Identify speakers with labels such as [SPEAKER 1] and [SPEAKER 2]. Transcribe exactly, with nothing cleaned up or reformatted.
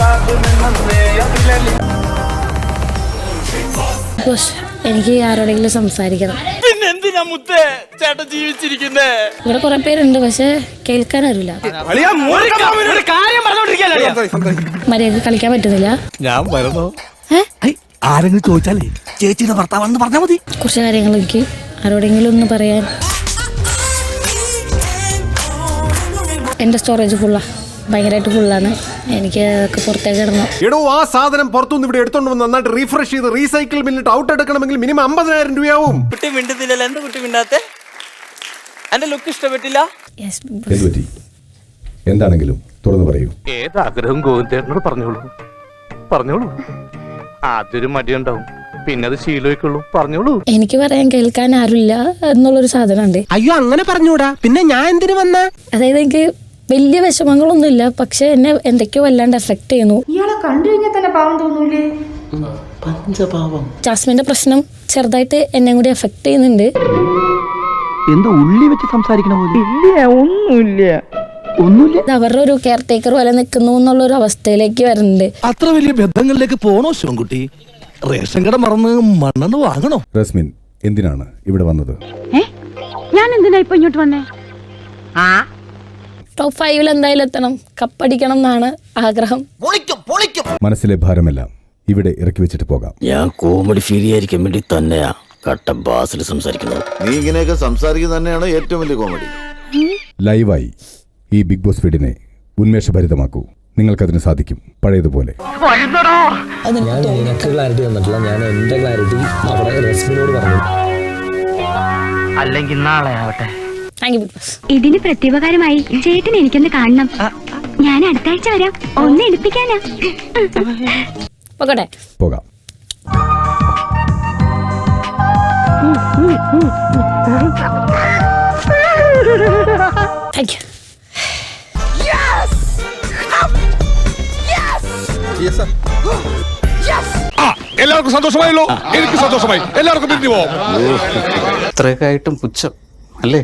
[SPEAKER 1] എനിക്ക് ആരോടെങ്കിലും സംസാരിക്കണം.
[SPEAKER 2] പിന്നെ എന്തിനാ മുത്തേ ചേട്ടൻ ജീവിച്ചിരിക്കുന്നേ?
[SPEAKER 1] ഇവിടെ കുറെ പേരുണ്ട്, പക്ഷെ കേൾക്കാൻ അറിയില്ല. മര്യാദ കളിക്കാൻ പറ്റുന്നില്ല.
[SPEAKER 2] ഞാൻ വരണോ?
[SPEAKER 3] ആരെങ്കിലും ചോദിച്ചാലേ ചേച്ചിയുടെ ഭർത്താവാണെന്ന് പറഞ്ഞാൽ മതി.
[SPEAKER 1] കുറച്ച് കാര്യങ്ങൾ എനിക്ക് ആരോടെങ്കിലും ഒന്ന് പറയാൻ. എന്റെ സ്റ്റോറേജ് ഫുള്ളാ, ഭയങ്കരമായിട്ട് ഫുള്ളാണ്. എനിക്ക് പുറത്തേക്ക് ഇടണം.
[SPEAKER 4] എടോ, ആ സാധനം പുറത്തുനിന്ന് ഇവിടെ എടുത്തോണ്ട് വന്ന് നന്നായിട്ട് റീഫ്രഷ് ചെയ്ത് റീസൈക്കിൾ ബില്ലിട്ട് ഔട്ട് എടുക്കണമെങ്കിൽ മിനിമം അമ്പതിനായിരം രൂപയാവും.
[SPEAKER 2] കുട്ടി മിണ്ടുന്നില്ലല്ലോ, എന്ത് കുട്ടി മിണ്ടാത്തെ? എന്റെ ലുക്ക് ഇഷ്ടപ്പെട്ടില്ല?
[SPEAKER 4] എന്താണെങ്കിലും തുറന്നു പറയൂ.
[SPEAKER 5] ഏതാഗ്രഹം ഗോവിന്ദേട്ടനോട് പറഞ്ഞോളൂ പറഞ്ഞോളൂ. ആദ്യൊരു മടിയുണ്ടാവും, പിന്നെ അത് ശീലമായിക്കുള്ളൂ. പറഞ്ഞോളൂ.
[SPEAKER 1] എനിക്ക് പറയാൻ കേൾക്കാൻ ആരുമില്ല എന്നുള്ളൊരു സാധനമുണ്ട്.
[SPEAKER 3] അയ്യോ, അങ്ങനെ പറഞ്ഞൂടാ. പിന്നെ ഞാൻ എന്തിനു വന്ന?
[SPEAKER 1] അതായത് എനിക്ക് വലിയ വിഷമങ്ങളൊന്നുമില്ല, പക്ഷെ എന്നെ എന്തൊക്കെയോ വല്ലാണ്ട് എഫക്ട് ചെയ്യുന്നു.
[SPEAKER 6] ഇയാളെ കണ്ടു കഴിഞ്ഞാൽ തന്നെ പാവം തോന്നൂലേ?
[SPEAKER 3] പഞ്ചപാവം.
[SPEAKER 1] ജാസ്മിന്റെ പ്രശ്നം ചെറുതായിട്ട് എന്നെ കൂടി എഫക്ട് ചെയ്യുന്നുണ്ട്.
[SPEAKER 3] എന്താ ഉള്ളി വെച്ച് സംസാരിക്കണ പോലെ? ഇല്ല, ഒന്നുമില്ല ഒന്നുമില്ല.
[SPEAKER 1] അവരുടെ ഒരു കെയർ ടേക്കർ പോലെ നിൽക്കുന്നു എന്നുള്ള ഒരു അവസ്ഥയിലേക്ക് വരുന്നുണ്ട്.
[SPEAKER 3] അത്ര വലിയ ബന്ധങ്ങളിലേക്ക് പോണോ ശിവൻകുട്ടി? റേഷൻ കട മറന്ന് മണ്ണെണ്ണ വാങ്ങണോ?
[SPEAKER 4] റസ്മിൻ എന്തിനാണ് ഇവിടെ വന്നത്?
[SPEAKER 6] ഞാൻ എന്തിനാ ഇപ്പൊ ഇങ്ങോട്ട് വന്നേ?
[SPEAKER 1] ടോപ്പ് ഫൈവിൽ എന്തായാലും എത്തണം, കപ്പടിക്കണം എന്നാണ് ആഗ്രഹം.
[SPEAKER 4] മനസ്സിലെ ഭാരമെല്ലാം ഇവിടെ ഇറക്കി വെച്ചിട്ട് പോകാം.
[SPEAKER 7] ഞാൻ കോമഡി ഫീൽ ചെയ്യാതിരിക്കാൻ വേണ്ടി തന്നെയാ കട്ട ബാസിൽ സംസാരിക്കുന്നത്.
[SPEAKER 8] നീ ഇങ്ങനെയൊക്കെ സംസാരിക്കുന്നത് തന്നെയാണ് ഏറ്റവും വലിയ കോമഡി.
[SPEAKER 4] ലൈവായി ഈ ബിഗ് ബോസ് വീടിനെ ഉന്മേഷഭരിതമാക്കൂ. നിങ്ങൾക്കതിന് സാധിക്കും, പഴയതുപോലെ.
[SPEAKER 7] ഞാൻ നിനക്ക് ക്ലാരിറ്റി തന്നിട്ടില്ല, ഞാൻ എന്റെ ക്ലാരിറ്റി അവിടെ റസ്മിനോട് പറഞ്ഞു.
[SPEAKER 5] അല്ലെങ്കിൽ നാളെ ആവട്ടെ.
[SPEAKER 6] ഇതിന് പ്രത്യുപകാരമായി ചേട്ടൻ എനിക്കൊന്ന് കാണണം. ഞാൻ അടുത്ത ആഴ്ച വരാം, ഒന്ന് എടുപ്പിക്കാനാ.
[SPEAKER 1] പോകട്ടെ,
[SPEAKER 4] പോകാം.
[SPEAKER 1] Thank you.
[SPEAKER 4] എല്ലാവർക്കും സന്തോഷമായല്ലോ? എനിക്ക് സന്തോഷമായി. എല്ലാവർക്കും പിരിഞ്ഞു പോവാം.
[SPEAKER 5] ഇത്രയൊക്കെ ആയിട്ടും പുച്ഛം അല്ലേ?